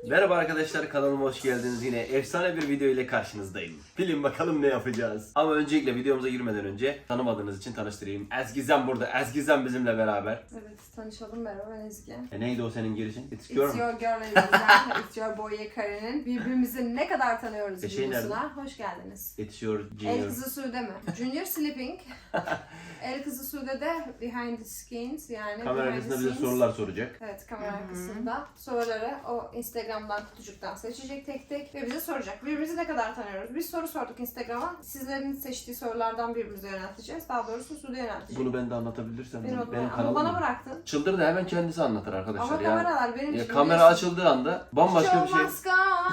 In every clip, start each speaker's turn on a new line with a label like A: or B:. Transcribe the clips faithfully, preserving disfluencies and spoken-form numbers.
A: Merhaba arkadaşlar, kanalıma hoş geldiniz. Yine efsane bir video ile karşınızdayım. Bilin bakalım ne yapacağız. Ama öncelikle videomuza girmeden önce tanımadığınız için tanıştırayım. Ezgizem burada. Ezgizem bizimle beraber.
B: Evet, tanışalım. Merhaba, ben Ezgi.
A: E neydi o senin girişin? It's,
B: It's
A: your...
B: your girl Ezgi. It's your boy Yekaren'in birbirimizi ne kadar tanıyoruz
A: E şey
B: videosuna. Hoş geldiniz.
A: It's your
B: El
A: junior.
B: kızı Sude mi? Junior Sleeping. El kızı Sude de behind the scenes, yani
A: Kamera
B: behind the
A: arkasında bize
B: scenes.
A: sorular soracak.
B: Evet, kamera arkasında. Soruları o Instagram'dan, kutucuktan seçecek tek tek ve bize soracak. Birbirimizi ne kadar tanıyoruz? Biz soru sorduk Instagram'a. Sizlerin seçtiği sorulardan birbirimize yönelteceğiz. Daha doğrusu Sude yöneltecek.
A: Bunu ben de anlatabilirsem.
B: Ben
A: benim
B: onu- ama
A: kanalım.
B: bana bıraktın.
A: Çıldır da hemen kendisi anlatır arkadaşlar.
B: Ama
A: ya.
B: kameralar benim
A: Ya
B: için.
A: kamera
B: biliyorsun.
A: açıldığı anda bambaşka bir şey.
B: Show must go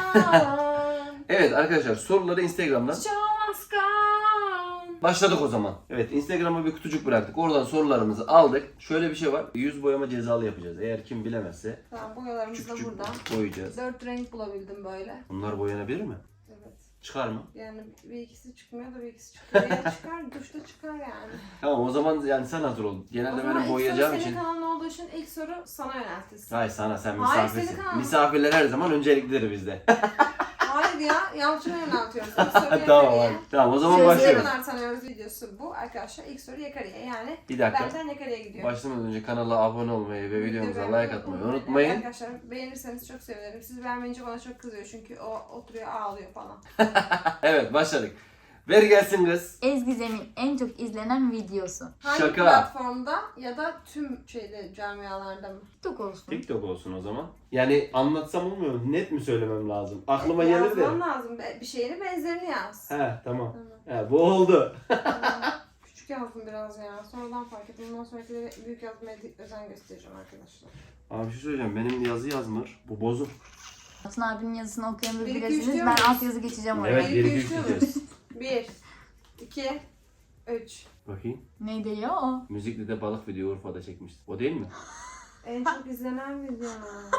B: on.
A: Evet arkadaşlar, soruları Instagram'dan
B: Show must go on.
A: başladık o zaman. Evet, Instagram'a bir kutucuk bıraktık. Oradan sorularımızı aldık. Şöyle bir şey var. Yüz boyama cezalı yapacağız. Eğer kim bilemezse
B: Tamam, boyalarımız
A: küçük
B: da
A: küçük
B: burada.
A: boyayacağız.
B: Dört renk bulabildim böyle.
A: Bunlar boyanabilir mi?
B: Evet.
A: Çıkar mı?
B: Yani bir ikisi çıkmıyor da bir ikisi çıkıyor. Ya çıkar, duşta çıkar yani.
A: Tamam, o zaman yani sen hazır ol.
B: O
A: Genelde
B: zaman
A: benim
B: ilk
A: boyayacağım
B: soru
A: için.
B: senin kanalın olduğu için ilk soru sana yöneltilsin.
A: Hayır, sana, sen
B: Hayır,
A: misafirsin.
B: senin kanalın.
A: Misafirler her zaman önceliklidir bizde.
B: Hayır ya, Yalçın'a yöneltiyoruz. İlk soru
A: Tamam
B: Yekari'ye.
A: hadi. Tamam, o zaman
B: Sözü ne
A: başlıyoruz.
B: kadar tanıyoruz videosu bu arkadaşlar. İlk soru Yekari'ye, yani
A: Bir dakika.
B: benden Yekari'ye gidiyor.
A: Başlamadan önce kanala abone olmayı ve videomuza
B: Videoyu
A: like atmayı
B: beğenmeyi
A: unutmayın.
B: Arkadaşlar beğenirseniz çok sevinirim. Siz beğenmeyince bana çok kızıyor çünkü o oturuyor ağlıyor falan.
A: Evet, başladık. Ver gelsin kız.
C: Ezgizem'in en çok izlenen videosu.
B: Hangi
A: Şaka.
B: platformda ya da tüm şeyde camialarda mı?
C: TikTok olsun.
A: TikTok olsun o zaman. Yani anlatsam olmuyor mu? Net mi söylemem lazım? Aklıma gelir de.
B: Yazman lazım. Be- Bir şeyini benzerini yaz.
A: He, tamam.
B: Tamam.
A: He, bu oldu.
B: Tamam. Küçük yazdım biraz ya. Sonradan fark ettim. Bundan sonrakileri büyük yazmaya di- özen göstereceğim arkadaşlar.
A: Abi bir şey söyleyeceğim. Benim yazı yazmır. Bu bozuk.
C: Yalçın abinin yazısını okuyanınız
B: Bir, iki, üç
C: bilirsiniz.
B: diyor
C: Ben
B: muyuz?
C: alt yazı geçeceğim oraya.
A: Evet,
B: Bir,
A: bir
B: iki,
A: iki
B: üç
A: üç
B: diyor
A: diyeceğiz.
B: Bir, iki, üç.
A: Bakayım.
C: Neydi ya o?
A: Müzikli de balık video Urfa'da çekmiştik. O değil mi?
B: En çok izlenen video.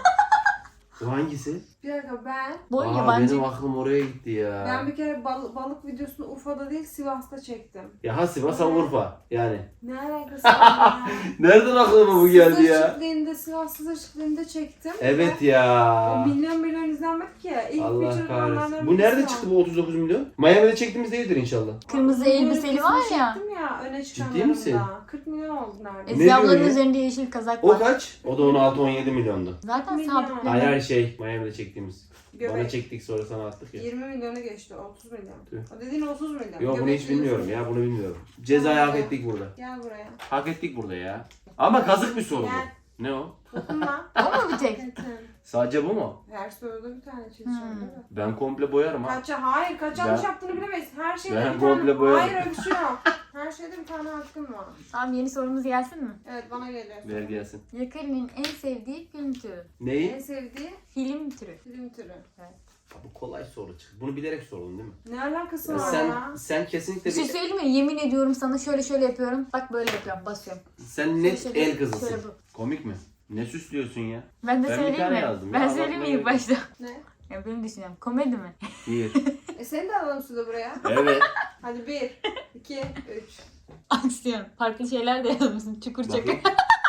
A: O hangisi?
B: Bir dakika, ben
C: Bu
A: Aa,
C: yabancı.
A: benim aklım oraya gitti ya.
B: ben bir kere bal- balık videosunu Urfa'da değil Sivas'ta çektim.
A: Ya ha Sivas ha Urfa. Yani.
B: Ne alakası var ya?
A: Nereden aklıma bu geldi ya?
B: Sızır Sivas Sızır Çiftliği'nde çektim.
A: Evet
B: O
A: ya.
B: milyon milyon izlenmedi ki. İlk
A: Allah
B: feature
A: kahretsin.
B: olanlardan
A: Bu nerede
B: birisi
A: çıktı bu otuz dokuz milyon? Miami'de çektiğimiz değildir inşallah.
C: Kırmızı
B: Bunun
C: elbiseli var
B: ülkesini
C: ya.
B: Çektim ya öne
A: Ciddi
B: çıkanlarında.
A: misin?
B: kırk milyon oldu neredeyse.
A: Ne
C: Ezgi ablanın
A: diyor ya?
C: üzerinde yeşil kazak
A: O
C: var.
A: kaç? O da on altı on yedi milyondu.
C: Zaten
B: Milyon.
C: sabitleme.
A: Hayır hayır şey Miami'de çektiğimiz. Bana
B: Göbek.
A: çektik sonra sana attık ya.
B: yirmi milyonu geçti. otuz milyon.
A: Tüh.
B: O dediğin otuz milyon.
A: Yok bunu
B: Göbek
A: hiç bilmiyorum
B: diyorsun.
A: ya, bunu bilmiyorum. Cezayı hak
B: Tamam.
A: ettik burada.
B: Gel buraya.
A: Hak ettik burada ya. Ama kazık bir soru
B: Gel.
A: bu. Ne o?
B: Dokunma.
C: O mu bir tek?
B: Kesin.
A: Sadece bu mu?
B: Her soruda bir tane çizeceğim
C: Hmm.
B: değil mi?
A: Ben komple boyarım ha.
B: Kaç, hayır kaç
A: Ben-
B: yanlış yaptığını bilemeyiz. Her şeyde
A: Ben
B: bir
A: komple
B: tane...
A: boyadım.
B: Hayır öyle bir şey yok. Her şeyde bir tane hakkın var.
C: Tamam, yeni sorumuz gelsin mi?
B: Evet, bana geliyor.
A: Ver gelsin.
C: Yakari'nin en sevdiği film türü.
B: En
A: Neyi?
B: sevdiği
C: Film türü.
B: film türü.
A: Bu kolay soru çıktı. Bunu bilerek sordun değil mi?
B: Ne alakası
A: Ya
B: var
A: sen
B: ya?
A: sen kesinlikle
C: Bir şey
A: bir,
C: söyleyeyim mi? Yemin ediyorum sana şöyle şöyle yapıyorum. Bak böyle yapıyorum, basıyorum.
A: sen net
C: Şöyle-
A: el kızısın.
C: şöyle bu.
A: Komik mi? Ne süslüyorsun ya?
C: Ben de
A: Ben bir
C: söyleyeyim
A: tane
C: mi?
A: yazdım.
C: Ben
A: Ya,
C: söyleyeyim mi
A: bakma
C: ilk başta?
B: Ne?
C: Ya benim düşünüyorum. Komedi mi?
A: Bir.
B: E seni de alalım suda buraya.
A: Evet.
B: Hadi bir, iki, üç.
C: Aksiyon. Farklı şeyler de yazmışsın. Çukur çakır.
A: Bakayım.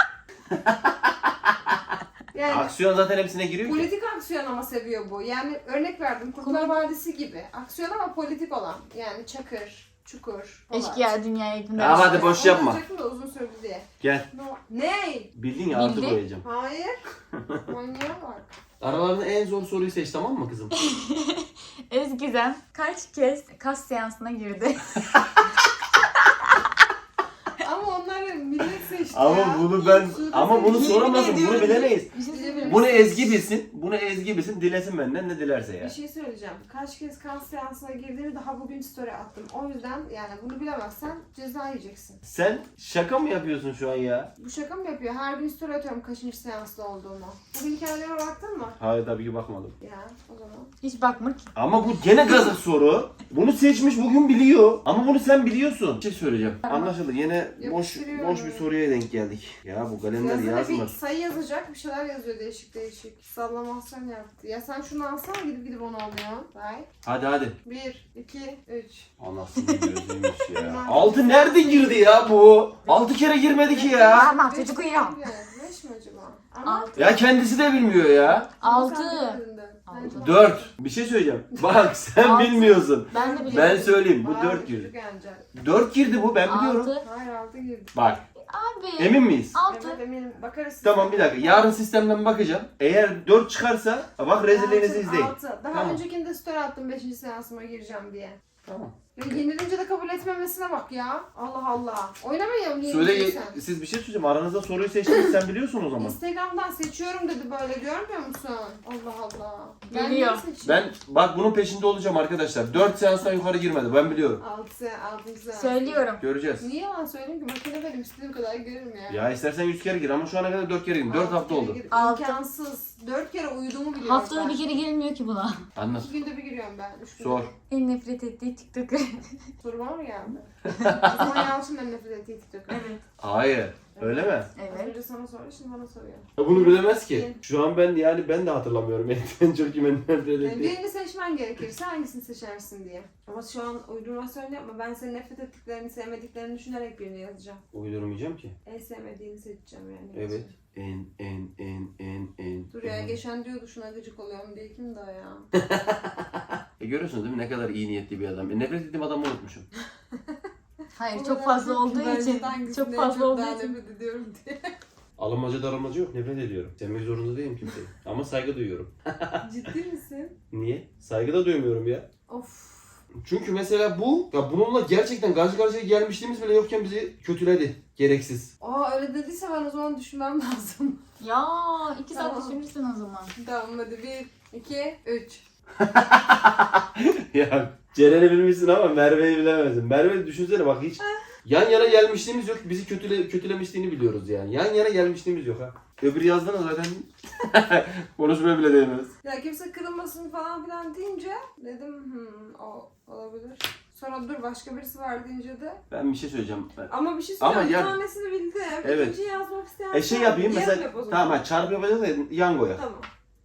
B: Yani
A: Aksiyon zaten hepsine giriyor ki.
B: politik aksiyon ama seviyor bu. Yani örnek verdim Kurtlar Vadisi gibi. Aksiyon ama politik olan. Yani Çakır, Çukur, Polat.
C: Eşkıya dünyaya yakında.
A: Ya hadi boş
B: Onu
A: yapma.
B: diyecektim de uzun sürdü diye.
A: Gel.
B: No. Ne?
A: Bildin ya, artı
C: Bildi.
A: boyayacağım.
B: Hayır. Manyağa bak.
A: Aralarında en zor soruyu seç, tamam mı kızım?
C: Ezgizem kaç kez kas seansına girdi?
B: Ama onları millet seçti
A: Ama
B: ya.
A: bunu ben
B: Suda
A: ama bunu
B: seçti.
A: soramazsın.
C: Yemin
A: Bunu
C: ediyorum.
A: bilemeyiz.
C: Bir şey söyleyeyim mi?
A: Bunu Ezgi bilsin. Bunu Ezgi bilsin. Dilesin benden ne dilerse ya.
B: Bir şey söyleyeceğim. Kaç kez kas seansına girdiğimi daha bugün story attım. O yüzden yani bunu bilemezsen ceza yiyeceksin.
A: Sen şaka mı yapıyorsun şu an ya?
B: Bu şaka mı yapıyor? Her gün story atıyorum kaçıncı seansta olduğumu. Bugün hikayelere baktın mı?
A: Hayır, tabii ki bakmadım.
B: Ya o zaman.
C: Hiç bakma ki.
A: Ama bu gene gazık soru. Bunu seçmiş, bugün biliyor. Ama bunu sen biliyorsun. Bir şey söyleyeceğim. Anlaşıldı. Yine boş
B: Yapıştırıyorum.
A: boş bir soruya denk geldik. Ya bu kalemler
B: Yazıda
A: yazmır.
B: bir sayı yazacak, bir şeyler yazıyor değişik değişik. Sallamasyon yaptı. Ya sen şunu alsana gidip gidip onu alıyorsun. Right?
A: Hadi hadi.
B: Bir, iki, üç.
A: Anasını gözüymüş ya. Altı nerede girdi ya bu? Altı kere girmedi ki ya.
C: Ama
B: Beş
C: çocuk
B: mi
C: uyuyor.
B: girdi? Beş mi acaba? Ama
C: Altı.
A: Ya kendisi de bilmiyor ya.
C: Altı.
B: sen de dedin.
C: Altı.
B: Bence
A: Dört. Bir şey söyleyeceğim. Bak sen
C: Altı.
A: bilmiyorsun.
C: Ben de biliyorum.
A: Ben söyleyeyim bu
B: Bayağı
A: dört
B: düşük
A: girdi.
B: bence.
A: Dört girdi bu ben biliyorum.
C: Altı.
B: Hayır altı girdi.
A: Bak
C: Abi.
A: emin miyiz?
C: Altı.
B: Evet eminim. Bakarız.
A: Tamam bir dakika. Yarın sistemden bakacağım. Eğer dört çıkarsa bak rezilliğinizi
B: Altı,
A: izleyin.
B: altı. Daha
A: Tamam.
B: öncekinde story attım beşinci seansıma gireceğim diye.
A: Tamam.
B: Ya yenilince de kabul etmemesine bak ya. Allah Allah. Oynamayalım
A: Söyle
B: yenilirsen.
A: siz bir şey söyleyeceğim. Aranızda soruyu seçtiniz sen biliyorsun o zaman.
B: Instagram'dan seçiyorum dedi böyle görmüyor musun? Allah Allah. Ben
C: Biliyor.
B: niye seçeyim?
A: Ben bak bunun peşinde olacağım arkadaşlar. dört seanstan yukarı girmedi ben biliyorum.
B: Altı, altı seans.
C: Söylüyorum.
A: Göreceğiz.
B: Niye yalan söyleyeyim ki? Makine benim istediğim kadar girerim yani.
A: Ya istersen yüz kere gir ama şu ana kadar dört kere girdim. dört
B: Altı
A: hafta
B: kere
A: oldu.
B: gir-
C: Altı.
B: İmkansız. Dört kere uyuduğumu biliyorum
C: Haftada
B: ben.
C: bir kere girilmiyor ki buna.
A: Anlat.
B: İki günde bir giriyorum ben. Üç günde
A: Sor.
B: bir.
C: En nefret ettiği TikTok'ı.
B: Soru bana mı geldi? Osman Yalçın en nefret ettiği TikTok.
C: Evet.
A: Hayır. Öyle mi?
B: Az
C: Evet.
B: önce sana soruyor, şimdi bana soruyor.
A: Ya bunu bilemez ki. Şu an ben yani ben de hatırlamıyorum. En çok kimin nefret
B: Yani
A: ettiği.
B: birini seçmen gerekirse hangisini seçersin diye. Ama şu an uydurmasyon yapma. Ben senin nefret ettiklerini, sevmediklerini düşünerek birini yazacağım.
A: Uydurmayacağım ki.
B: En sevmediğini seçeceğim yani.
A: Evet. En en en en en.
B: Dur ya
A: en.
B: geçen diyordu şuna gıcık oluyorum diye kim daha ya?
A: E görüyorsunuz değil mi ne kadar iyi niyetli bir adam. E, nefret ettiğim adamı unutmuşum.
C: Hayır
B: O
C: çok
B: kadar
C: fazla
B: çok
C: olduğu
B: ki ben
C: için.
B: hangisini
C: Çok
B: en
C: fazla olduğu
B: daha
C: için.
B: nefret ediyorum diye.
A: Alınmaca darılmaca yok nefret ediyorum. Sevmek zorunda değilim kimseyi. Ama saygı duyuyorum.
B: Ciddi misin?
A: Niye? Saygı da duymuyorum ya.
B: Of.
A: Çünkü mesela bu, ya bununla gerçekten karşı karşıya gelmişliğimiz bile yokken bizi kötüledi. Gereksiz.
B: Aa öyle dediyse ben o zaman düşünmem lazım.
C: Ya iki saat
B: Tamam.
C: düşünürsün o zaman.
B: Tamam hadi bir, iki, üç.
A: Ya Ceren'i bilmişsin ama Merve'yi bilemezsin. Merve düşünsene bak hiç yan yana gelmişliğimiz yok. Bizi kötüle, kötülemişliğini biliyoruz yani. Yan yana gelmişliğimiz yok ha. Öbür yazdınız zaten. Konuşmaya bile değmez.
B: Ya kimse kırılmasın falan filan deyince dedim hmm, o olabilir. Sonra dur başka birisi var deyince de.
A: Ben bir şey söyleyeceğim. Ben-
B: Ama bir şey
A: Ama
B: söyleyeyim.
A: ya-
B: Bir tanesini bildim.
A: Evet.
B: İkinciyi yazmak isteyen.
A: E şey
B: sen
A: yapayım
B: yarım
A: mesela.
B: yap o zaman.
A: Tamam ha çarpı yapacağız da yangoya.
B: Tamam.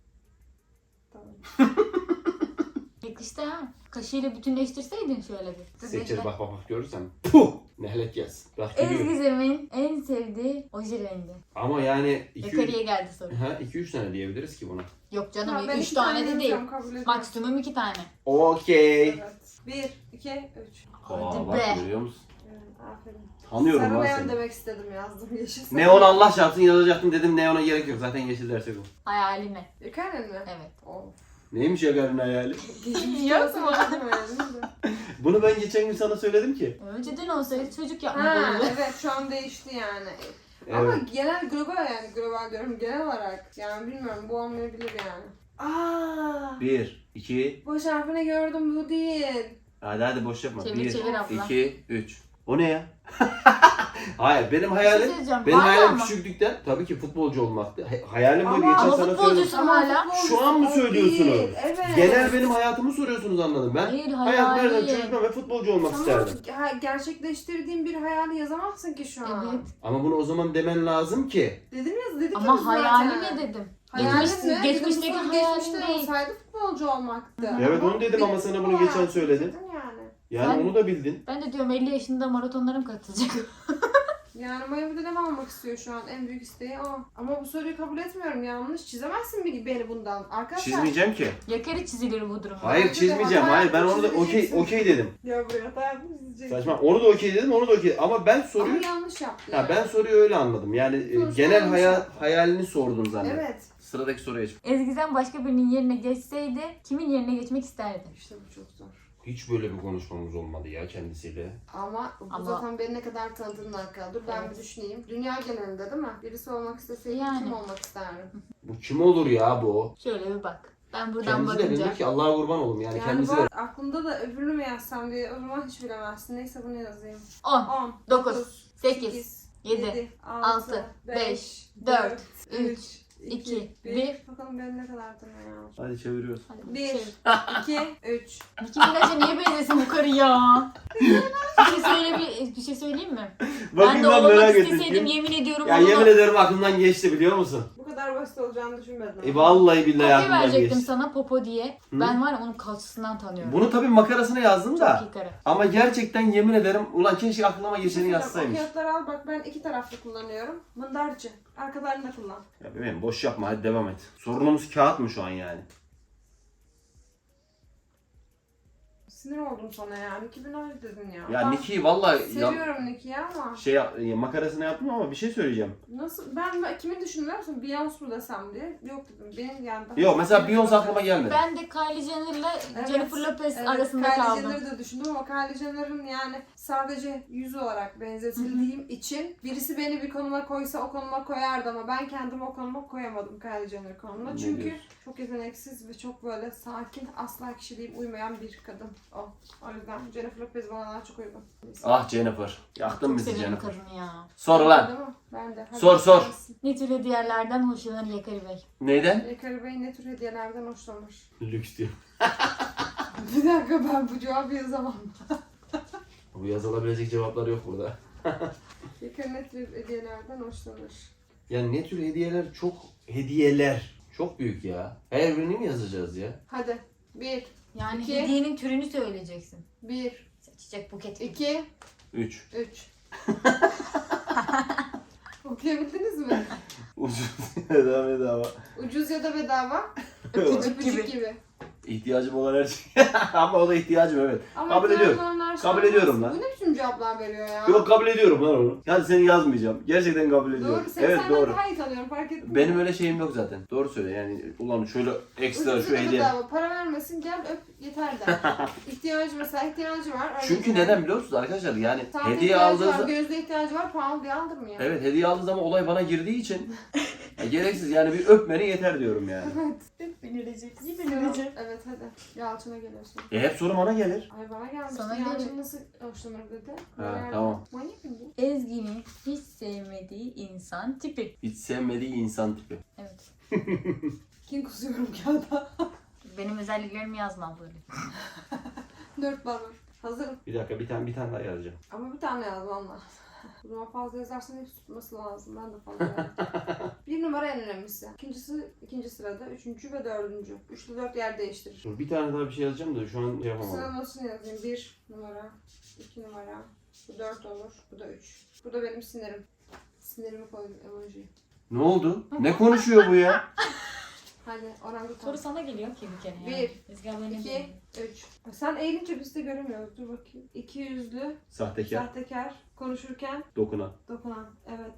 B: Tamam.
C: Yakıştı ha. Kaşıyla bütünleştirseydin şöyle bir.
A: Seçer bak bak bak görürsen. Puh! Nehlek gelsin. Bak gülüyor.
C: Ezgizem'in en sevdiği oje rengi.
A: Ama yani iki
C: Yukarıya geldi soru.
A: ha iki üç tane diyebiliriz ki buna.
C: Yok canım
B: Tamam, ben
C: üç
B: iki
C: tane de değil.
B: yazacağım, kabul ediyorum.
C: Maksimum iki tane.
A: Okey.
B: Evet. Bir, iki, üç.
C: Hadi
A: Aa, bak
C: be.
A: görüyor musun?
B: Evet, aferin.
A: Tanıyorum
B: Sarı
A: lan
B: neon
A: seni.
B: demek istedim yazdım. Yeşil sarı.
A: Neon Allah çarpsın yazacaktım dedim neona gerek yok zaten yeşil dersek o.
C: Hayalime.
B: Yukarı mı?
C: Evet.
B: Of.
A: Neymiş ya karın hayali?
B: Geçmiş
C: Yok
B: olsun
C: mu?
B: dedim yani, de.
A: Bunu ben geçen gün sana söyledim ki.
C: Önceden olsaydı çocuk yapmak
B: Ha
C: olurdu.
B: evet şu an değişti yani. Ama
A: Evet.
B: genel global yani global diyorum genel olarak yani bilmiyorum bu olmayabilir yani. Aa,
A: Bir, iki,
B: boş harfini gördüm bu değil.
A: hadi hadi boş yapma.
C: Çevir,
A: Bir,
C: çevir abla.
A: iki, üç. O ne ya? Hayır benim
C: Bir şey
A: hayalim,
C: söyleyeceğim.
A: benim
C: Hala
A: hayalim
C: ama.
A: küçüklükten tabii ki futbolcu olmaktı. Hay- Hayalim buydu
B: Ama-
A: geçen
C: Ama
A: sana söyledim.
C: futbolcusun hala.
B: futbolcu
A: Şu an mı
B: o
A: söylüyorsunuz?
B: değil, Evet.
A: Genel benim hayatımı soruyorsunuz anladım ben.
C: Hayır,
A: Hayat nereden
C: hayali.
A: çocukluğum ve futbolcu olmak
B: Tamam,
A: isterdim.
B: ha, gerçekleştirdiğin bir hayali yazamazsın ki şu an.
C: Evet.
A: Ama bunu o zaman demen lazım ki.
B: Dedim ya dedik ya biz
C: Ama hayali
B: zaten.
C: ne dedim?
B: Hayalin
C: Geçmiş-
B: ne? Dedim,
C: geçmişteki
B: bu soru
C: hayalin
B: geçmişte
C: değil.
B: olsaydı futbolcu olmaktı.
A: Evet onu dedim ama sana bunu geçen söyledim.
B: Dedin yani.
A: Yani
C: Sen-
A: onu da bildin.
C: Ben de diyorum elli yaşında maratonlarım katılacak.
B: Yani Miami'de de almak istiyor şu an. En büyük isteği o. Ama bu soruyu kabul etmiyorum. Yanlış. Çizemezsin bir- beni bundan. Arkadaşlar.
A: Çizmeyeceğim ki.
C: Yakarı çizilir bu durumda.
A: Hayır
B: Bence de
A: çizmeyeceğim.
B: hata
A: Hayır ben
B: yaptın,
A: onu da okey
B: çizeceksin.
A: okey dedim.
B: Ya buraya hata yapmış çizeceksin.
A: Saçma. Onu da okey dedim, onu da okey. Ama ben soruyu
B: Ama yanlış yaptı.
A: ha
B: yani.
A: ben soruyu öyle anladım. Yani e,
B: Sonuçta
A: genel
B: yanlış
A: hayal
B: yaptın.
A: hayalini sordun zannettim.
B: Evet.
A: Sıradaki soruya geç.
C: Ezgizem başka birinin yerine geçseydi kimin yerine geçmek isterdi?
B: İşte bu çok zor.
A: Hiç böyle bir konuşmamız olmadı ya kendisiyle.
B: Ama bu
C: Ama-
B: zaten beni ne kadar tanıdığına alakalı. Dur ben
C: Evet.
B: bir düşüneyim. Dünya genelinde değil mi? Birisi olmak isteseydi
C: Yani.
B: kim olmak isterdim?
A: Bu kim olur ya bu?
C: Şöyle bir bak. Ben buradan
A: Kendisi de
C: bakınca.
A: bilir ki Allah'a kurban olum yani,
B: Yani
A: kendisi
B: bu
A: de.
B: aklımda da öbürünü mü yazsam diye o zaman hiç bilemezsin. Neyse bunu yazayım.
C: on,
B: on,
C: dokuz, sekiz, yedi, altı, beş, dört, üç, iki, bir.
B: Bakalım ben ne kadar tanıyorum.
A: Hadi çeviriyoruz.
C: Hadi
B: Bir,
C: çevir.
B: iki, üç.
C: Nicki Minaj'a niye benzesin bu karı ya? bir şey söyle bir, bir şey söyleyeyim mi? ben de olmak isteseydim yemin ediyorum
A: Ya
C: onu
A: yemin ederim aklımdan geçti biliyor musun?
B: Bu kadar basit olacağını düşünmedim.
A: E vallahi billahi
C: kopya
A: aklımdan
C: verecektim
A: geçti.
C: sana Popo diye.
A: Hı?
C: Ben var ya onun kalçasından tanıyorum.
A: Bunu tabii makarasına yazdım da.
C: Çok iyi karı.
A: Ama gerçekten yemin ederim ulan keşke aklıma
B: Bir şey
A: geçeni
B: söyleyeceğim, o
A: yazsaymış.
B: kağıtları al bak ben iki taraflı kullanıyorum. Mındarcı. Arkalarını da kullan.
A: Ya bebeğim boş yapma hadi devam et. Sorunumuz kağıt mı şu an yani?
B: Sinir oldum sana ya. Nicki Minaj dedin ya.
A: Ya
B: Ben
A: Nicki'yi valla
B: seviyorum Nicki'yi ama.
A: şey yap- makarasını yaptım ama bir şey söyleyeceğim.
B: Nasıl? Ben, ben kimi düşündüm biliyor musun? Beyoncé mu desem diye. Yok dedim. Benim yani daha...
A: Yok mesela Beyoncé aklıma gelmedi.
C: Ben de Kylie Jenner'la
B: Evet,
C: Jennifer Lopez
B: evet,
C: arasında
B: Kylie
C: kaldım.
B: Jenner'ı da düşündüm ama Kylie Jenner'ın yani sadece yüz olarak benzetildiğim için birisi beni bir konuma koysa o konuma koyardı ama ben kendimi o konuma koyamadım Kylie Jenner konumuna.
A: Ne
B: Çünkü
A: diyorsun?
B: çok yeteneksiz ve çok böyle sakin, asla kişiliğim uymayan bir kadın o. O yüzden Jennifer Lopez bana daha çok uygun.
A: Ah Jennifer. Yaktın
C: Çok
A: bizi
C: severim
A: Jennifer.
C: kadını ya.
A: Sor lan.
B: Değil mi? Ben de. Hadi
A: Sor, sor.
B: gelsin.
C: Ne tür hediyelerden hoşlanır Yakari Bey?
A: Neyden?
B: Ekari Bey ne tür hediyelerden hoşlanır?
A: Lüks diyor.
B: Bir dakika ben bu cevabı yazamam.
A: Bu yazılabilecek cevaplar yok burada.
B: Ekari ne tür hediyelerden hoşlanır?
A: Yani ne tür hediyeler çok hediyeler. Çok büyük ya. Her birini mi yazacağız ya?
B: Hadi. Bir,
C: Yani
B: İki.
C: hediyenin türünü söyleyeceksin.
B: bir,
C: Çiçek, buket.
B: iki,
A: Üç.
B: üç. Okuyabildiniz mi?
A: Ucuz bedava bedava.
B: Ucuz ya da bedava.
C: Öpücük
B: Öpücük
C: gibi.
B: gibi.
A: İhtiyacım olan her şey. Ama o da ihtiyacım evet.
B: Ama
A: Kabul ediyorum.
B: telefonlar
A: Kabul
B: şey
A: ediyorum
B: olmaz.
A: lan.
B: Bu ne biçim cevaplar veriyor ya?
A: Yok kabul ediyorum lan onu. Yani seni yazmayacağım. Gerçekten kabul ediyorum.
B: Doğru. Seni
A: Evet
B: senden
A: doğru.
B: daha iyi tanıyorum fark ettin mi?
A: Benim öyle şeyim yok zaten. Doğru söyle yani ulan şöyle ekstra
B: Ucuz
A: şu
B: ya da
A: hediye.
B: bedava. Para vermesin gel öp yeter der. İhtiyacı mesela ihtiyacı var. öyle
A: Çünkü
B: şeyler.
A: neden biliyor musunuz arkadaşlar? Yani
B: Saate
A: hediye
B: ihtiyacı
A: aldığı
B: var,
A: zaman
B: gözde ihtiyacı var, pahalı diye aldırmıyor.
A: evet hediye aldığı zaman olay bana girdiği için ya, gereksiz yani bir öpmeni yeter diyorum yani.
B: Evet.
C: Hep benirecek. İyi
B: Sıra- Evet hadi. Yalçın'a geliyorsun.
A: E hep soru bana gelir.
B: Ay bana gelmişti.
C: Sana
B: Yalçın
C: gelir.
B: nasıl hoşlanır dedi.
A: Ha,
B: Meğer-
A: tamam.
B: Manyak mı bu?
C: Ezgi'nin hiç sevmediği insan tipi.
A: Hiç sevmediği insan tipi.
C: Evet.
B: Kim kusuyorum kağıda?
C: Benim özelliklerimi yazmam böyle.
B: Dört var. Hazırım.
A: Bir dakika bir tane bir tane daha yazacağım.
B: Ama bir tane yazmam lazım. O zaman fazla yazarsan hep tutması lazım. Ben de fazla yazdım. Bir numara en önemlisi. İkincisi ikinci sırada. Üçüncü ve dördüncü. Üçlü dört yer değiştirir.
A: Dur bir tane daha bir şey yazacağım da şu an şey yapamadım.
B: Sıralamasını yazayım. Bir numara, iki numara, bu dört olur, bu da üç. Bu da benim sinirim. Sinirimi koydum emoji.
A: Ne oldu? Ne konuşuyor bu ya?
B: Hadi orangutan.
C: Soru sana geliyor ki bir kere.
B: Bir,
C: Yani. Ezgi abla ne
B: İki,
C: diyor?
B: üç. Sen eğilince biz de göremiyoruz. Dur bakayım. İki yüzlü,
A: Sahtekar,
B: sahtekar, konuşurken
A: dokunan.
B: dokunan. Evet.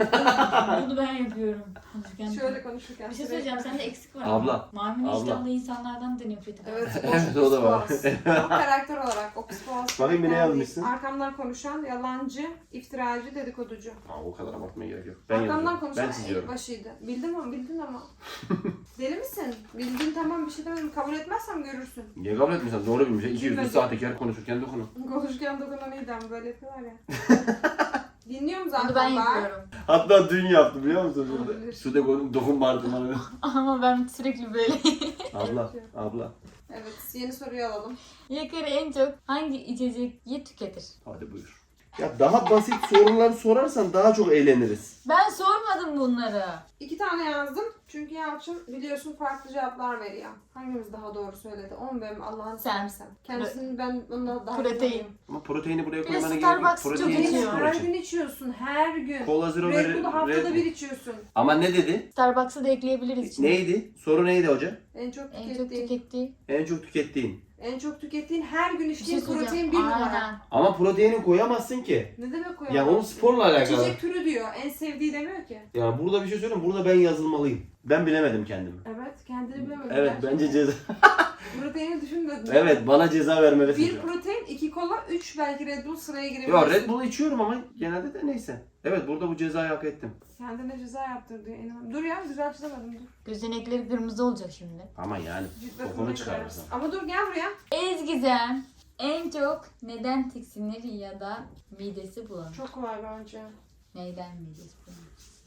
C: Bunu ben yapıyorum. Konuşurken.
B: Şöyle konuşurken.
C: Bir şey söyleyeceğim, sende eksik var.
A: Abla,
C: ama. Mavi
A: abla.
C: iştahlı insanlardan da nefret ederim.
B: Evet,
A: Evet, o da var.
B: Ama karakter olarak o psikopat.
A: Bakayım, ne
B: karakter
A: yazmışsın?
B: değil. Arkamdan konuşan, yalancı, iftiracı, dedikoducu.
A: Aa, o kadar abartmaya gerek yok. Ben
B: Arkamdan
A: yazıyorum.
B: konuşan
A: Ben çiziyorum.
B: başıydı. Bildim ama bildin ama. Deli misin? Bildin tamam bir şey demedim. Kabul etmezsem görürsün.
A: Niye kabul etmiyorsun? Doğru bilmiş. İki yüzlü
B: Bilmedi.
A: sahtekar konuşurken dokunan.
B: Konuşurken dokunan iyi dem böyle yapıyorlar ya. Dinliyorum zaten
C: Bunu ben
B: bak.
C: yapıyorum.
A: Hatta dün yaptım biliyor musun?
B: Olabilir.
A: Sude koydum dokunma artık bana.
C: Ama ben sürekli böyle.
A: Abla, abla.
B: Evet yeni soruyu alalım.
C: Yakari en çok hangi içeceği tüketir?
A: Hadi buyur. Ya daha basit sorular sorarsan daha çok eğleniriz.
C: Ben sormadım bunları.
B: İki tane yazdım. Çünkü Yalçın biliyorsun farklı cevaplar veriyor. Hangimiz daha doğru söyledi? Onu benim Allah'ını
C: Sen.
B: seversen. Kendisini ben ondan daha iyi
C: Protein.
B: tanıyorum.
A: Ama proteini buraya
C: Bir de
A: koymana gerek yok.
C: Starbucks çok
A: Protein
C: içiyor.
A: spor
B: Her
A: için.
B: gün içiyorsun. Her gün.
A: Cola Zero
B: Red
A: ve
B: Bull'u haftada
A: Red Bull.
B: bir içiyorsun.
A: Ama ne dedi?
C: Starbucks'ı da ekleyebiliriz içine.
A: Neydi? Soru neydi hoca?
B: En çok
C: En çok
B: tükettiğin.
C: tükettiği.
A: En çok tükettiğin.
B: En çok tükettiğin her gün
C: Bir şey
B: içtiğin protein
C: söyleyeceğim.
B: bir numara.
C: Aynen.
A: Ama proteini koyamazsın ki.
B: Ne demek o
A: Ya onun sporla alakalı.
B: İçecek türü diyor. En sevdiği demiyor ki.
A: Ya burada bir şey söyleyeyim. Burada ben yazılmalıyım. Ben bilemedim kendimi.
B: Evet kendini bilemedin.
A: Evet
B: gerçekten.
A: bence ceza.
B: Proteini düşünmedin.
A: Evet bana ceza vermelisin.
B: Bir
A: şu an.
B: protein, iki kola, üç belki Red Bull sıraya girebilirsin.
A: Ya Red Bull içiyorum ama genelde de neyse. Evet burada bu cezayı hak ettim.
B: Kendine ceza yaptır diyor. İnanın. Dur ya güzel çizemedim dur.
C: Gözenekleri kırmızı olacak şimdi.
A: Ama yani
B: Cidden
A: kokunu
B: sana
A: çıkarırsın.
B: gider. Ama dur gel buraya.
C: Ezgizem en çok neden tiksinir ya da midesi bulanır?
B: Çok kolay bence.
C: Neyden midesi bulanır?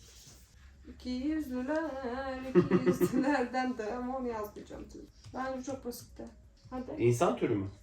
B: İki yüzlüler, iki yüzlülerden de ama onu yazmayacağım tabii. Bence çok basitti. Hadi.
A: İnsan türü mü?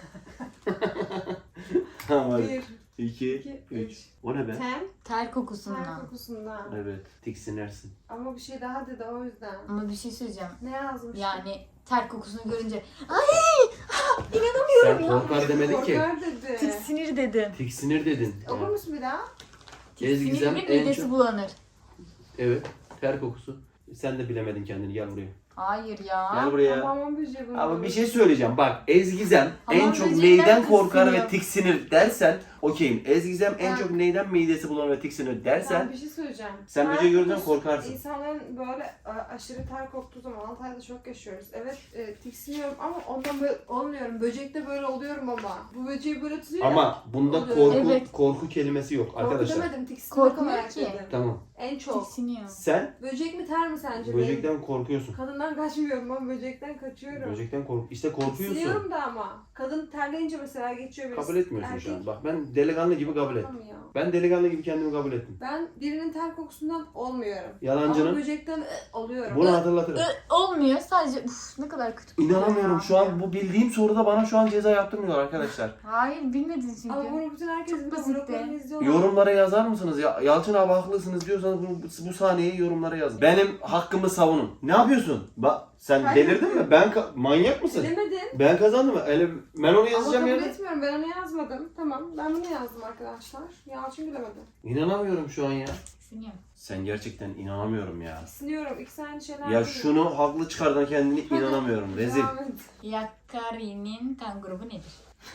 A: Tamam hadi.
B: Bir,
A: iki,
B: iki,
A: üç.
B: üç.
A: O ne be?
B: Ten,
C: Ter
B: ter
C: kokusundan.
B: kokusundan.
A: Evet tiksinirsin.
B: Ama bir şey daha dedi o yüzden.
C: Ama bir şey söyleyeceğim.
B: Ne yazmış?
C: Yani ter kokusunu görünce ay
A: Sen
C: inanamıyorum ya.
A: korkar demedin ki.
B: Korkar dedi.
C: Tiksinir dedim.
A: Tiksinir dedin.
B: Okur musun bir daha?
A: Ezgizem
C: Tiksinir ve
A: en
C: midesi
A: çok...
C: bulanır.
A: Evet. Ter kokusu. Sen de bilemedin kendini. Gel buraya.
C: Hayır ya.
A: Gel buraya.
B: Hamam böceği bunu.
A: Ama bir şey söyleyeceğim. Bak Ezgizem en
C: Hamam
A: çok
C: böceğinden
A: neyden korkar ve
C: tiksiniyor.
A: tiksinir dersen okeyim. Ezgizem en
B: Ben-
A: çok neyden midesi bulanır ve tiksinir dersen
B: Ben bir şey söyleyeceğim.
A: sen
B: Ter
A: böceği gördüğünden
B: kokusu,
A: korkarsın.
B: İnsanların böyle a- aşırı ter koktuğu zaman Antalya'da çok yaşıyoruz. Evet e, tiksiniyorum ama ondan böyle olmuyorum. Böcekte böyle oluyorum ama. Bu böceği böyle tutuyor.
A: Ama bunda
B: Oluyor.
A: korku
C: Evet.
A: korku kelimesi yok
B: Korku
A: arkadaşlar.
B: demedim, tiksinmek
C: Korkmuyor
B: olarak
C: ki.
B: dedim.
A: Tamam.
B: En çok.
C: Tiksiniyor.
A: Sen
B: Böcek mi ter mi sence? benim?
A: böcekten korkuyorsun.
B: Kadından kaçmıyorum, ben böcekten kaçıyorum.
A: Böcekten kork. İşte korkuyorsun.
B: Tiksiniyorum da ama. Kadın terleyince mesela geçiyor birisi.
A: Kabul etmiyorsun
B: Erkek
A: şu an. Bak ben delikanlı gibi kabul ettim.
B: korkamıyor.
A: Ben delikanlı gibi kendimi kabul ettim.
B: Ben birinin ter kokusundan olmuyorum. Ama
A: Yalancının
B: böcekten ı, oluyorum.
A: bunu hatırlatırım.
C: Ö, olmuyor sadece uf ne kadar kötü kokuyor
A: İnanamıyorum
C: ya.
A: şu an bu bildiğim soruda bana şu an ceza yaptırmıyor arkadaşlar.
C: Hayır bilmedin çünkü.
B: Ama bunu bütün herkes
C: Çok
B: biliyor.
C: basitti.
B: Vloglarını izliyorlar.
A: Yorumlara yazar mısınız? Ya, Yalçın abi haklısınız diyorsanız bu, bu sahneyi yorumlara yazın. Benim hakkımı savunun. Ne yapıyorsun? Bak sen
B: Hayır.
A: delirdin mi? Ben ka- manyak mısın?
B: Bilemedin.
A: Ben kazandım mı? Öyle, ben onu
B: Ama
A: yazacağım
B: kabul
A: ya.
B: etmiyorum. Ben onu yazmadım. Tamam. Ben bunu yazdım arkadaşlar. Yalçın bilemedi.
A: İnanamıyorum şu an ya.
C: Tiksiniyor.
A: Sen gerçekten inanamıyorum ya.
B: Siniyorum. İkisi aynı şeyler
A: Ya
B: değil.
A: şunu haklı çıkardan kendini inanamıyorum. Rezil.
B: Devam et.
C: Yakari'nin kan grubu nedir?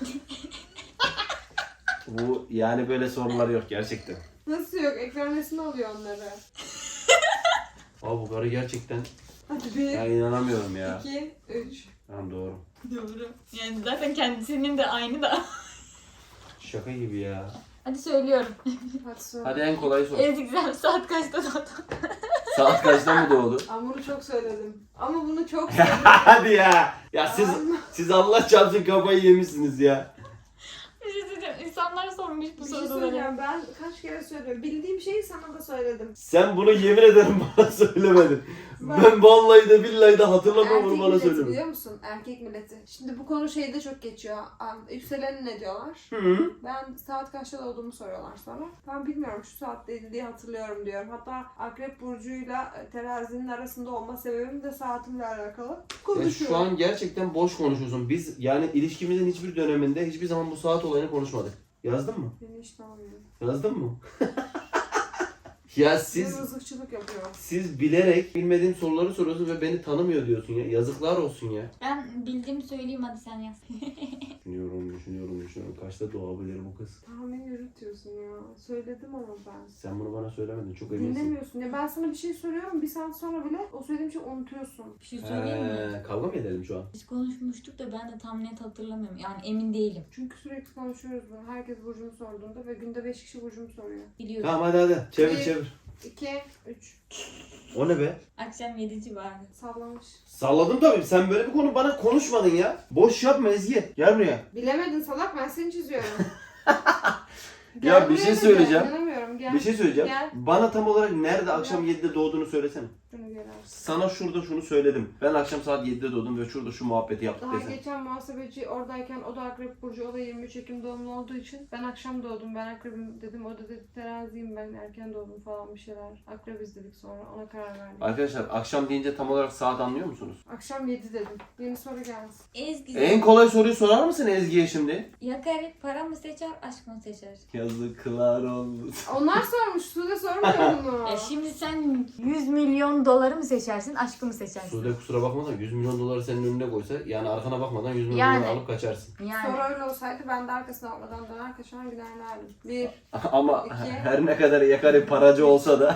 A: Bu yani böyle sorular yok gerçekten.
B: Nasıl yok? Ekran resmi alıyor onları.
A: Abi bu karı gerçekten
B: Hadi bir,
A: ya inanamıyorum ya.
B: iki, üç.
A: Tamam doğru.
C: Doğru. Yani zaten kendisinin de aynı da.
A: Şaka gibi ya.
C: Hadi söylüyorum.
B: Hadi söyle.
A: Hadi en kolay sor.
C: Ezgi'den saat kaçta doğdu?
A: Saat kaçta mı doğdu?
B: Hamuru çok söyledim. Ama bunu çok söyledim.
A: Hadi ya. Ya siz
B: Ama
A: siz Allah çarpsın kafayı yemişsiniz ya.
C: Bir şey söyleyeceğim. İnsanlar sormuş bu
B: bir şey
C: soruları.
B: söyleyeceğim. Ben kaç kere söylüyorum. Bildiğim şeyi sana da söyledim.
A: Sen bunu yemin ederim bana söylemedin.
B: Ben-
A: Ben vallahi de billahi de hatırlamam
B: Erkek
A: bunu bana
B: milleti
A: söylemedin.
B: biliyor musun? Erkek milleti. Şimdi bu konu şeyde çok geçiyor. Am, Yükselen ne diyorlar?
A: Hı -hı.
B: Ben saat kaçta doğduğumu soruyorlar sonra. Ben bilmiyorum şu saatteydi diye hatırlıyorum diyorum. Hatta Akrep Burcu'yla e, terazinin arasında olma sebebim de saatimle alakalı.
A: Ya
B: Konuşuyorum.
A: şu an gerçekten boş konuşuyorsun. Biz yani ilişkimizin hiçbir döneminde hiçbir zaman bu saat olayını konuşmadık. Yazdın mı?
B: Beni hiç tanımıyorum.
A: Yazdın mı? Ya
B: Siz...
A: siz
B: Rızıkçılık yapıyor.
A: siz bilerek bilmediğim soruları soruyorsun ve beni tanımıyor diyorsun ya. Yazıklar olsun ya.
C: Ben bildiğimi söyleyeyim hadi sen yaz.
A: Düşünüyorum, düşünüyorum, düşünüyorum. Kaçta doğabilir bu kız?
B: Tahmin yürütüyorsun ya. Söyledim ama ben.
A: Sen bunu bana söylemedin. Çok eminsin.
B: Dinlemiyorsun. Ya ben sana bir şey söylüyorum. Bir saat sonra bile o söylediğim şeyi unutuyorsun.
C: Bir şey söyleyeyim mi?
A: He, kavga mı edelim şu an?
C: Biz konuşmuştuk da ben de tam net hatırlamıyorum. Yani emin değilim.
B: Çünkü sürekli konuşuyoruz bunu. Herkes burcumu sorduğunda ve günde beş kişi burcumu soruyor.
C: Biliyorum.
A: Tamam hadi hadi. Çevir
B: Bir.
A: çevir.
B: iki, üç.
A: O ne be?
C: Akşam yedi civarı.
B: Sallamış.
A: Salladım tabii. Sen böyle bir konu bana konuşmadın ya. Boş yapma Ezgi. Gel buraya.
B: Bilemedin salak, ben seni çiziyorum.
A: Ya
B: Gel
A: bir
B: buraya
A: şey
B: da
A: söyleyeceğim.
B: gel, inanamıyorum. Gel.
A: Bir şey söyleyeceğim.
B: Gel.
A: Bana tam olarak nerede akşam yedide doğduğunu söylesene.
B: Şunu gel abi.
A: Sana şurada şunu söyledim. Ben akşam saat yedide doğdum ve şurada şu muhabbeti yaptık
B: Daha
A: desene.
B: geçen muhasebeci oradayken o da Akrep Burcu, o da yirmi üç Ekim doğumlu olduğu için ben akşam doğdum, ben Akrep'im dedim, o da dedi teraziyim, ben erken doğdum falan bir şeyler. Akrebiz dedik sonra, ona karar verdik.
A: Arkadaşlar akşam deyince tam olarak saat anlıyor musunuz?
B: Akşam yedi dedim. Yeni soru gelsin.
C: Ezgi.
A: En kolay soruyu sorar mısın Ezgi'ye şimdi?
C: Yakari para mı seçer, aşk mı seçer?
A: Yazıklar olsun.
B: Onlar sormuş, Sude sormuyor bunu.
C: Ya şimdi sen yüz milyon doları mı seçersin, aşkı mı seçersin?
A: Sude kusura bakma da yüz milyon doları senin önüne koysa yani arkana bakmadan yüz milyon
C: Yani.
A: doları alıp kaçarsın.
C: Yani.
B: Soru öyle olsaydı ben de arkasına bakmadan döner kaçar giderlerdim. Bir,
A: Ama
B: İki.
A: her ne kadar yakari paracı olsa da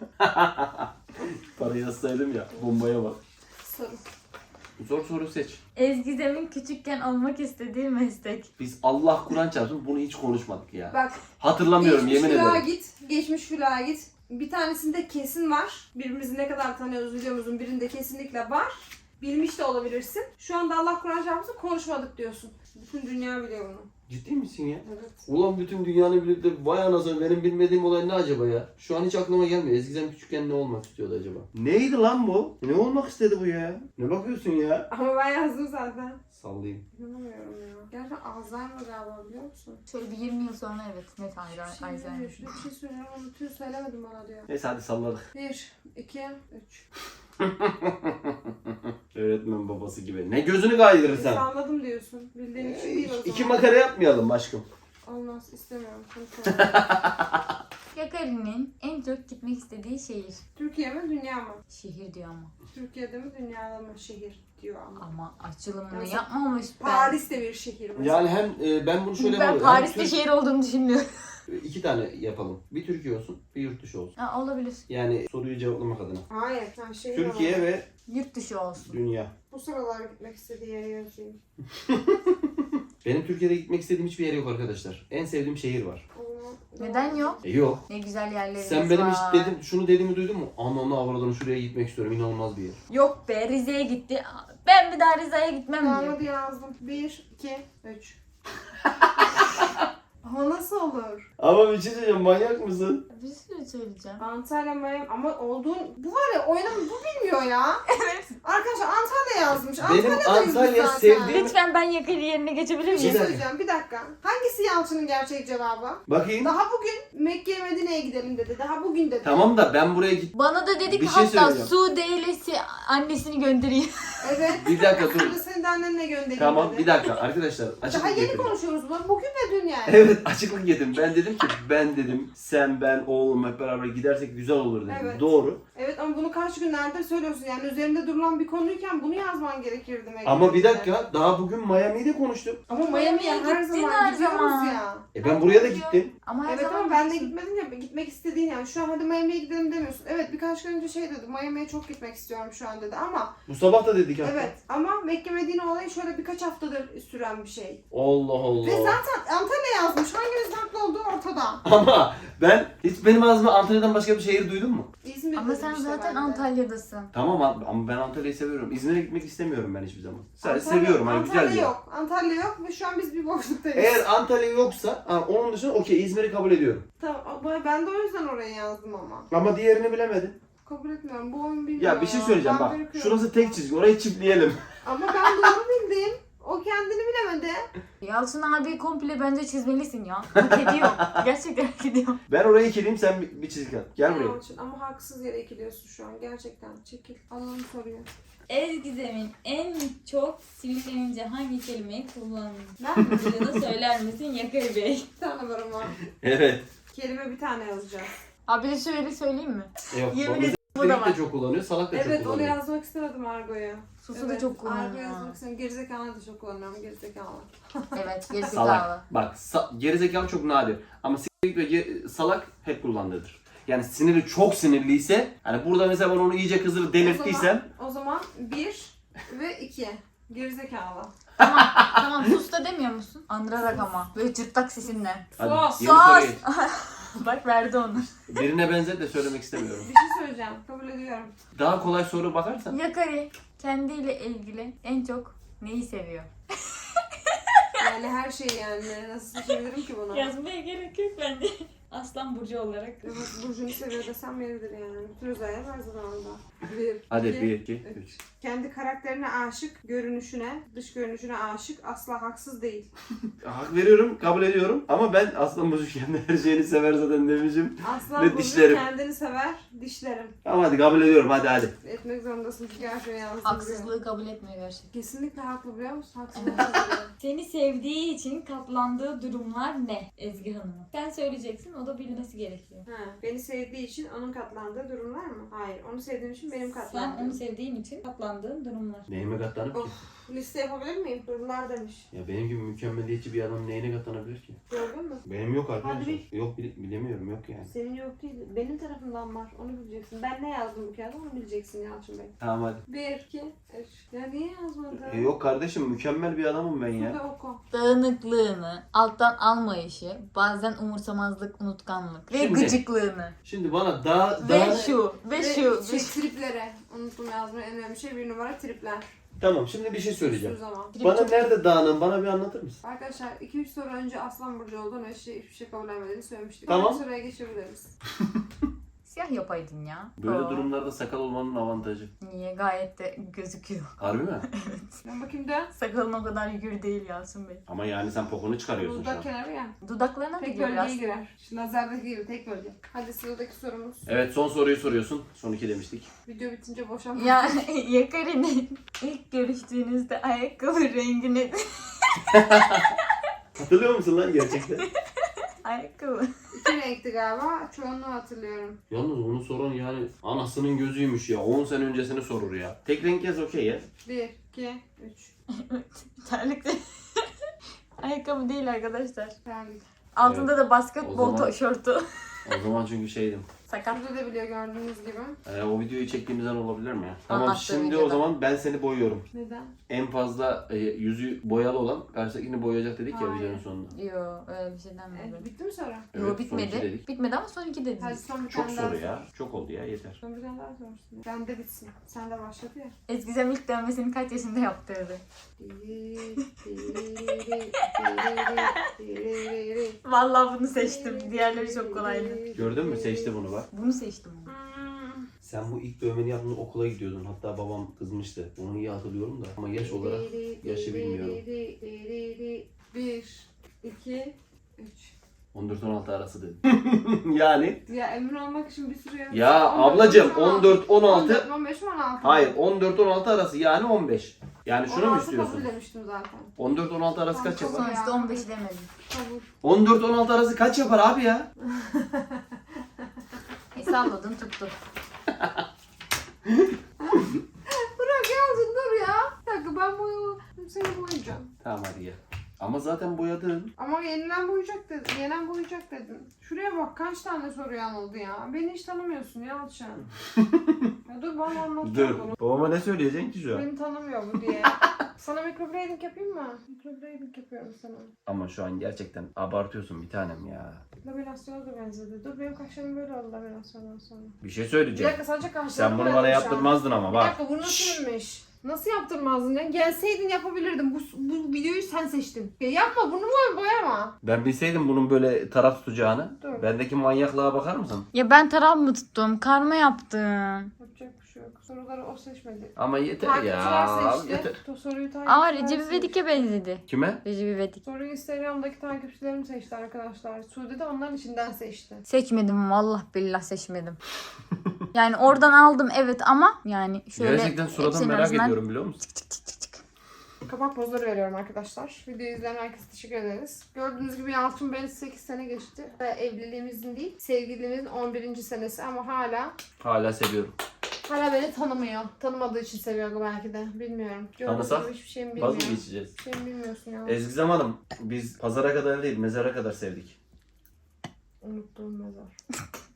A: para yazsaydım ya bombaya bak.
B: soru.
A: Zor soru seç.
C: Ezgi'nin küçükken olmak istediği meslek.
A: Biz Allah Kur'an çarpsın bunu hiç konuşmadık ya.
B: Bak,
A: Hatırlamıyorum
B: geçmiş
A: yemin
B: vloğa
A: ederim.
B: git, geçmiş vloğa git. Bir tanesinde kesin var. Birbirimizi ne kadar tanıyoruz videomuzun birinde kesinlikle var. Bilmiş de olabilirsin. Şu anda Allah Kur'an çarpsın konuşmadık diyorsun. Bütün dünya biliyor bunu.
A: Ciddi misin ya?
B: Evet.
A: Ulan bütün dünyanın bilip de vay anasını benim bilmediğim olay ne acaba ya? Şu an hiç aklıma gelmiyor. Ezgizem küçükken ne olmak istiyordu acaba? Neydi lan bu? Ne olmak istedi bu ya? Ne bakıyorsun ya?
B: Ama ben yazdım zaten.
A: Sallayayım.
B: İnanamıyorum ya. Gerçekten Alzheimer galiba, biliyor musun?
C: Şöyle bir yirmi yıl sonra evet net ayrı
B: Şey
C: Alzheimer.
B: diyor, şurada bir şey söylüyorum, unutuyor, söylemedim bana diyor.
A: Neyse hadi salladık.
B: Bir, iki, üç.
A: Öğretmen babası gibi. Ne gözünü kaydırırsan.
B: Salladım diyorsun. Bildiğin için değil o zaman.
A: İki makara yapmayalım aşkım.
B: Olmaz, istemiyorum. Konuşalım.
C: Yakari'nin en çok gitmek istediği şehir.
B: Türkiye mi dünya mı?
C: Şehir diyor ama.
B: Türkiye'de mi dünyada mı şehir diyor ama.
C: Ama açılımını
B: Mesela
C: yapmamış ben.
B: Paris de bir şehir mesela.
A: Yani hem e, ben bunu şöyle
C: Ben
A: yapalım.
C: Paris'te
A: Hem Türk-
C: şehir olduğunu düşünmüyorum.
A: İki tane yapalım. Bir Türkiye olsun, bir yurt dışı olsun.
C: Ha, olabilir.
A: Yani soruyu cevaplamak adına.
B: Hayır. Ha, şehir
A: Türkiye
B: olarak.
A: ve
C: Yurt dışı olsun.
A: dünya.
B: Bu sıralar gitmek istediği yere yazayım.
A: Benim Türkiye'de gitmek istediğim hiçbir yer yok arkadaşlar. En sevdiğim şehir var.
B: Ama-
C: Neden yok?
A: E yok.
C: Ne güzel yerlerimiz
A: Sen benim
C: var.
A: hiç dedim, şunu dediğimi duydun mu? Anamla avradını şuraya gitmek istiyorum. İnanılmaz bir yer.
C: Yok be, Rize'ye gitti. Ben bir daha Rize'ye gitmem
B: Tamam
C: diyor.
B: hadi yazdım. Bir, iki, üç. Ama nasıl olur?
A: Ama bir şey söyleyeceğim. Manyak mısın?
C: Bir sürü söyleyeceğim.
B: Antalya, Miami ama olduğun... Bu var ya oyunu bu bilmiyor ya.
C: Evet.
B: Arkadaşlar Antalya yazmış.
A: Benim
B: Antalya'dayız biz
A: Antalya
B: zaten.
A: sevdiğim-
C: Lütfen ben Yakari yerine geçebilir
B: Bir şey
C: miyim?
A: dakika.
B: söyleyeceğim bir dakika. Hangisi Yalçın'ın gerçek cevabı?
A: Bakayım.
B: Daha bugün Mekke'ye Medine'ye gidelim dedi. Daha bugün dedi.
A: Tamam da ben buraya git.
C: Bana da dedi
A: Bir
C: ki
A: şey
C: hatta
A: söyleyeceğim.
C: Sude ilesi annesini göndereyim.
B: Evet.
A: Bir dakika dur.
B: Şimdi seni de annenle göndereyim
A: Tamam
B: dedi.
A: bir dakika arkadaşlar.
B: Daha
A: Açıklık
B: yeni
A: getirdim.
B: konuşuyoruz bunu. Bugün ve dün yani.
A: Evet açıklık yedim. Ben dedim ki ben dedim sen ben oğlum hep beraber gidersek güzel olur dedim.
B: Evet.
A: Doğru.
B: Evet ama bunu kaç günlerdir söylüyorsun. Yani üzerinde durulan bir konuyken bunu yazman gerekirdi. Mekke'ye.
A: Ama bir dakika daha bugün Miami'de konuştuk.
B: Ama Miami'ye
C: Miami'ye
B: her
C: gittin
B: zaman
C: her
B: gidiyoruz
C: zaman.
B: ya.
A: E ben buraya da gittim.
C: Ama her
B: Evet
C: zaman
B: ama ben de
C: gitsin.
B: gitmedim ya. Gitmek istediğin yani. Şu an hadi Miami'ye gidelim demiyorsun. Evet birkaç gün önce şey dedi. Miami'ye çok gitmek istiyorum şu an dedi ama
A: Bu sabah da dedik hatta.
B: evet ama Mekke Medine olayı şöyle birkaç haftadır süren bir şey.
A: Allah Allah.
B: Ve zaten Antalya yazmış. Hangimiz haklı olduğu ortada.
A: Ama ben hiç benim ağzımda Antalya'dan başka bir şehir duydun mu?
B: İzmir
C: Ama
B: dedim
C: sen
B: işte
C: zaten
B: ben de.
C: Antalya'dasın.
A: Tamam abi, ama ben Antalya'yı seviyorum. İzmir'e gitmek istemiyorum ben hiçbir zaman. Sadece
B: Antalya-
A: seviyorum hani
B: Antalya
A: güzel bir yer.
B: yok. Antalya yok ve şu an biz bir boşluktayız.
A: Eğer Antalya yoksa ha, onun dışında okey İzmir'i kabul ediyorum.
B: Tamam ama ben de o yüzden oraya yazdım ama.
A: Ama diğerini bilemedim.
B: Kabul etmiyorum. Bu oyun bilmiyor
A: Ya bir şey söyleyeceğim
B: Ben
A: bak.
B: bırakıyorum.
A: Şurası tek çizgi. Orayı çiftleyelim.
B: Ama ben doğru bildim. O kendini bilemedi.
C: Yalçın abi komple bence çizmelisin ya. Hak ediyor. Gerçekten hak ediyor.
A: Ben orayı ikileyim sen bir, bir çizgi at. Gel buraya.
B: Yalçın, ama haksız yere ikiliyorsun şu an. Gerçekten. Çekil. Alalım soruyu.
C: Ezgi'nin en çok sinirlenince hangi kelimeyi kullanır?
B: Ben mi?
C: Bunu söyler misin Yakari Bey?
B: Bir tane var ama.
A: Evet.
B: Kelime bir tane yazacağız.
C: Abi de şöyle söyleyeyim mi?
A: E Yok,
C: Yemin
A: bu
C: ederim bu da
A: Direkt
C: var.
A: de çok kullanıyor, salak da çok
B: Evet onu
A: kullanıyor.
B: yazmak istemedim Argo'ya.
C: Susu da çok
B: Argo
C: kullanıyor.
B: yazmak istedim. Gerizekalı da çok kullanıyorum. Gerizekalı.
C: Evet, gerizekalı.
A: Salak. Bak sa- gerizekalı çok nadir. Ama s**k ve ge- salak hep kullandığıdır. Yani sinirli çok sinirliyse hani burada mesela ben onu iyice kızdırıp delirttiysem
B: O zaman bir ve iki. Gerizekalı.
C: Tamam, tamam sus da demiyor musun? Andırarak ama. Böyle cırtlak sesinden.
A: hadi
B: Sus.
A: yeni soruya geç.
C: Bak verdi onu.
A: Birine benzet de söylemek istemiyorum.
B: Bir şey söyleyeceğim. Kabul ediyorum.
A: Daha kolay soru bakarsan.
C: Yakari kendiyle ilgili en çok neyi seviyor?
B: Yani her şey yani. Nasıl seçebilirim ki bunu?
C: Yazmaya gerek yok bence. Aslan Burcu olarak.
B: Evet, Burcu'nu seviyor desem yeridir yani. Bütün özellikler her zaman orada. Bir,
A: Hadi
B: iki,
A: bir, iki, üç.
B: Kendi karakterine aşık, görünüşüne, dış görünüşüne aşık, asla haksız değil.
A: Hak veriyorum, kabul ediyorum. Ama ben Aslan Burcu kendi her şeyini sever zaten demişim.
B: Aslan
A: Ve
B: Burcu
A: dişlerim.
B: kendini sever, dişlerim.
A: Ama hadi kabul ediyorum, hadi hadi.
B: Etmek zorundasın çünkü her şeyi yalnız biliyor.
C: Haksızlığı kabul etmiyor gerçekten.
B: Kesinlikle haklı biliyor musun? Haksızlık biliyor.
C: Seni sevdiği için katlandığı durumlar ne Ezgi Hanım'ın? Sen söyleyeceksin, o da bilmesi gerekiyor.
B: Ha, beni sevdiği için onun katlandığı durumlar mı? Hayır, onu sevdiğim için benim
C: Sen
B: katlandığım.
C: onu sevdiğin için katlandığın durumlar.
A: Neyime katlanıp ki?
B: Of, liste yapabilir miyim? Durumlar demiş.
A: Ya benim gibi mükemmeliyetçi bir adam neyine katlanabilir ki?
B: Gördün mü?
A: Benim yok arkadaşlar.
B: Hadi
A: Yok bile- bilemiyorum yok yani.
B: Senin yok değil. Benim tarafımdan var. Onu bileceksin. Ben ne yazdım bu kağıda onu bileceksin Yalçın Bey.
A: Tamam hadi.
B: Bir, iki, üç. Ya niye yazmadın?
A: E, yok kardeşim mükemmel bir adamım ben ya.
B: Şurada oku.
C: Dağınıklığını, alttan almayışı, bazen umursamazlık, unutkanlık ve
A: Şimdi-
C: gıcıklığını.
A: Şimdi bana daha
C: Ve
A: daha
C: şu, ve
B: Ve
C: şu.
B: şey, triplere. Unuttum yazmayı. En önemli şey bir numara tripler.
A: tamam şimdi bir şey
B: Şu
A: söyleyeceğim.
B: zaman.
A: Bana nerede dağınım bana bir anlatır mısın?
B: Arkadaşlar iki üç soru önce Aslan Burcu olduğunu ve şey, hiçbir şey kabul etmediğini söylemiştik.
A: Tamam.
B: Bir soruya geçebiliriz.
C: Siyah yapaydın ya.
A: Böyle
C: Oo.
A: durumlarda sakal olmanın avantajı.
C: Niye? Gayet de gözüküyor.
A: Harbi mi?
B: Ben bakayım da.
C: Sakalın o kadar yürü değil Yasin Bey.
A: Ama yani sen pokunu çıkarıyorsun şu an.
B: Dudak kenarı ya.
C: Dudaklarına da
B: Tek
C: giriyor biraz.
B: bölgeye girer. Şu nazardaki gibi tek bölge. Hadi sıradaki sorumuz.
A: Evet son soruyu soruyorsun. Son iki demiştik.
B: Video bitince boşanma.
C: Ya Yakari'nin ilk görüştüğünüzde ayakkabı rengini...
A: Hatırlıyor musun lan gerçekten?
C: ayakkabı.
B: İki renkti galiba. Çoğunu hatırlıyorum.
A: Yalnız onu soran yani anasının gözüymüş ya. on sene öncesini sorur ya. Tek renk yaz okey ya.
B: Bir, iki, üç.
C: Terlik de. Ayakkabı değil arkadaşlar.
B: Terlik.
C: Altında
A: Evet.
C: da basketbol
A: O zaman-
C: tişörtü.
A: O zaman çünkü şeydim.
C: Sakat.
B: Burada da biliyor gördüğünüz gibi.
A: Ee, o videoyu çektiğimizden olabilir mi ya? Tamam
C: Anlattığım
A: şimdi o
C: videoda.
A: zaman ben seni boyuyorum.
B: Neden?
A: En fazla e, yüzü boyalı olan karşıdakini boyayacak dedik ya
B: Hayır.
A: videonun sonunda.
C: Yo öyle bir şey
B: E,
C: denmedi.
B: bitti mi soru?
C: Yo
A: Evet, son iki
C: bitmedi.
A: dedik.
C: Bitmedi ama son iki
B: Hadi
C: dediniz.
B: son bir
A: Çok
B: tane daha
A: soru
B: sor.
A: ya. Çok oldu ya yeter.
B: Son bir tane daha sorsun. Ben de bitsin. Sen de başladı ya.
C: Eskizem ilk dövmesini kaç yaşında yaptırdı? Vallahi bunu seçtim. Diğerleri çok kolaydı.
A: Gördün mü? Seçti bunu bak.
C: Bunu seçtim.
A: Sen bu ilk dövmeni yaptığında okula gidiyordun. Hatta babam kızmıştı. Onu iyi hatırlıyorum da. Ama yaş olarak yaşı bilmiyorum.
B: Bir, iki, üç.
A: on dört on altı arası dedim. Yani.
B: Ya emin olmak için bir sürü yanlış.
A: Ya
B: on dört,
A: ablacım
B: on
A: on dört on
B: altı.
A: altı.
B: on beş, on altı.
A: Hayır on dört on altı arası yani on beş. Yani şunu mu
B: on altı
A: istiyorsun?
B: kabul demiştim zaten.
A: on dört on altı arası kaç
B: Tamam,
A: yapar?
C: Sonuçta on beş demedim.
B: Kabul.
A: on dört on altı arası kaç yapar abi ya?
C: E salladın tuttu.
B: Bırak yazdın dur ya. Bir dakika ben boyu seni boyayacağım.
A: Tamam hadi gel. Ama zaten boyadın.
B: Ama yenilen boyayacak dedin. Yenen boyayacak dedin. Şuraya bak kaç tane soru yanıldı ya. Beni hiç tanımıyorsun ya Alçan. Ya dur bana anlatacağım bunu.
A: Babama ne söyleyeceksin ki şu an?
B: Beni tanımıyor bu diye. Sana microblading yapayım mı? Microblading yapıyorum sana.
A: Ama şu an gerçekten abartıyorsun bir tanem ya.
B: Laminasyona da benzedi. Dur benim kaşlarım böyle oldu laminasyondan sonra.
A: Bir şey
B: Bir
A: söyleyeceğim.
B: dakika sadece kaşlarım
A: Sen bunu
B: boyadım
A: bana
B: şu an.
A: yaptırmazdın ama
B: Bir
A: bak.
B: dakika bu nasılmış? Nasıl yaptırmazdın ya? Gelseydin yapabilirdim. Bu, bu videoyu sen seçtin. Ya yapma bunu boy boyama.
A: Ben bilseydim bunun böyle taraf tutacağını.
B: Dur.
A: Bendeki manyaklığa bakar mısın?
C: Ya ben taraf mı tuttum? Karma yaptım.
B: Yapacak bir şey yok. Soruları o seçmedi.
A: Ama yeter
B: Takipçiler
A: ya.
B: seçti.
A: Yeter.
B: To- Soruyu takipçiler
C: Aa Recep
B: seçti.
C: İvedik'e benzedi.
A: Kime?
C: Recep İvedik.
B: Soruyu Instagram'daki takipçilerim seçti arkadaşlar. Sude de onların içinden seçti.
C: Seçmedim vallahi billah seçmedim. Yani oradan aldım evet ama yani şöyle
A: Gerçekten suradan
C: hepsinin
A: merak
C: arasından
A: ediyorum biliyor musun?
C: çık çık çık çık çık.
B: Kapak pozları veriyorum arkadaşlar. Videoyu izleyen herkese teşekkür ederiz. Gördüğünüz gibi Yalçın Bey'in sekiz sene geçti. Ve evliliğimizin değil, sevgililiğimizin on birinci senesi ama hala
A: Hala seviyorum.
B: hala beni tanımıyor. Tanımadığı için seviyor belki de. Bilmiyorum. Gördüğünüz
A: Tanısak?
B: gibi hiçbir şeyimi bilmiyor.
A: Vazgeçeceğiz.
B: Hiçbir şeyimi bilmiyorsun ya.
A: Ezgizem Hanım, biz pazara kadar değil, mezara kadar sevdik.
B: Unuttuğum mezar.